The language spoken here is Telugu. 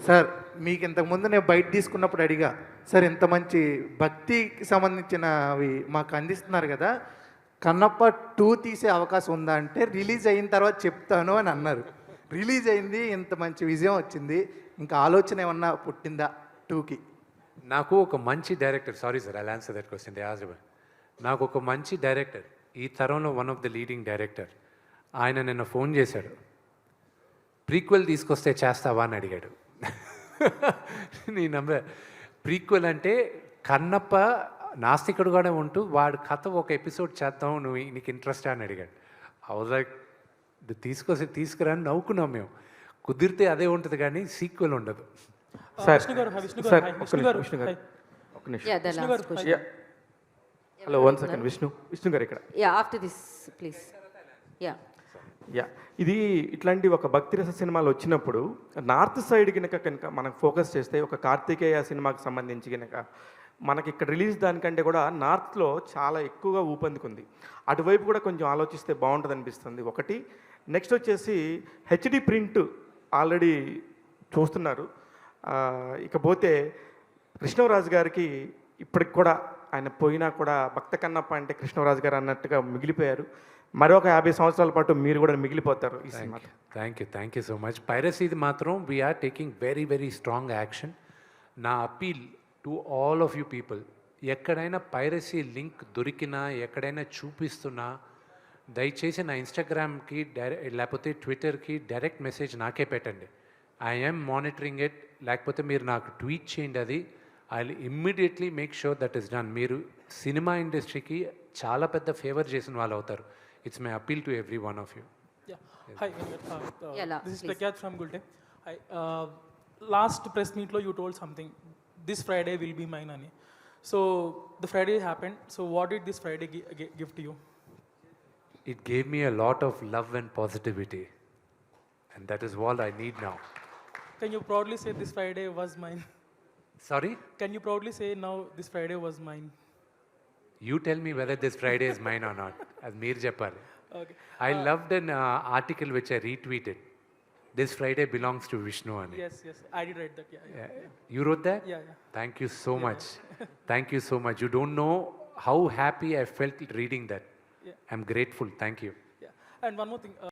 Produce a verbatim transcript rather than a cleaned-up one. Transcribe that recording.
సార్ మీకు ఇంతకుముందు నేను బయట తీసుకున్నప్పుడు అడిగా, సార్ ఇంత మంచి భక్తికి సంబంధించినవి మాకు అందిస్తున్నారు కదా, కన్నప్ప టూ తీసే అవకాశం ఉందా అంటే రిలీజ్ అయిన తర్వాత చెప్తాను అని అన్నారు. రిలీజ్ అయింది, ఇంత మంచి విజయం వచ్చింది, ఇంకా ఆలోచన ఏమన్నా పుట్టిందా టూకి? నాకు ఒక మంచి director, sorry sir I answer that question they asked. నాకు ఒక మంచి డైరెక్టర్, ఈ తరంలో one of the leading director, ఆయన నిన్న ఫోన్ చేశాడు, ప్రీక్వెల్ తీసుకొస్తే చేస్తావా అని అడిగాడు. నీ నంబర్ ప్రీక్వెల్ అంటే కన్నప్ప నాస్తికుడుగానే ఉంటూ వాడు కథ ఒక ఎపిసోడ్ చేద్దాం, నువ్వు నీకు ఇంట్రెస్ట్ అని అడిగాడు. అవును లైక్ తీసుకొస్తే తీసుకురా అని నవ్వుకున్నాం మేము. కుదిరితే అదే ఉంటుంది కానీ సీక్వెల్ ఉండదు. Hello one second Vishnu Vishnu garu ఇక్కడ. Yeah after this please. Yeah yeah ఇది ఇట్లాంటి ఒక భక్తి రస సినిమాలు వచ్చినప్పుడు నార్త్ సైడ్ కనుక కనుక మనకు ఫోకస్ చేస్తే ఒక కార్తికేయ సినిమాకి సంబంధించి కనుక మనకి ఇక్కడ రిలీజ్ దానికంటే కూడా నార్త్లో చాలా ఎక్కువగా ఊపందుకుంది. అటువైపు కూడా కొంచెం ఆలోచిస్తే బాగుంటుంది అనిపిస్తుంది ఒకటి. నెక్స్ట్ వచ్చేసి హెచ్డి ప్రింట్ ఆల్రెడీ చూస్తున్నారు. ఇకపోతే కృష్ణరాజు గారికి ఇప్పటికి కూడా ఆయన పోయినా కూడా భక్త కన్నప్ప అంటే కృష్ణరాజు గారు అన్నట్టుగా మిగిలిపోయారు. మరొక యాభై సంవత్సరాల పాటు మీరు కూడా మిగిలిపోతారు ఈ cinema. Thank you thank you so much. పైరసీది మాత్రం we are taking very very strong action. నా appeal to all of you people, ఎక్కడైనా పైరసీ లింక్ దొరికినా ఎక్కడైనా చూపిస్తున్నా దయచేసి నా ఇన్స్టాగ్రామ్కి డైరెక్ట్ లేకపోతే ట్విట్టర్కి డైరెక్ట్ మెసేజ్ నాకే పెట్టండి. I'm monitoring it. లేకపోతే మీరు నాకు ట్వీట్ చేయండి, అది I will immediately make sure that is done. మీరు సినిమా ఇండస్ట్రీకి చాలా పెద్ద ఫేవర్ చేసిన వాళ్ళు అవుతారు. It's my appeal to every one of you. Yeah. Yes. Hi, Venkat. Uh, uh, yeah, la, this is please. Prakyat from Gulte. Hi. Uh, last press meet lo you told something. This Friday will be mine, ani. So the Friday happened. So what did this Friday gi- gi- give to you? It gave me a lot of love and positivity, and that is all I need now. Can you proudly say this Friday was mine? Sorry? Can you proudly say now this Friday was mine? You tell me whether this Friday is mine or not. As Mir Japal. Okay. I uh, loved an uh, article which I retweeted. This Friday belongs to Vishnu Ani. Yes, yes. I did write that. Yeah. yeah, Yeah. yeah. You wrote that? Yeah, yeah. Thank you so Yeah, much. Thank you so much. You don't know how happy I felt reading that. Yeah. I'm grateful. Thank you. Yeah. And one more thing. Uh,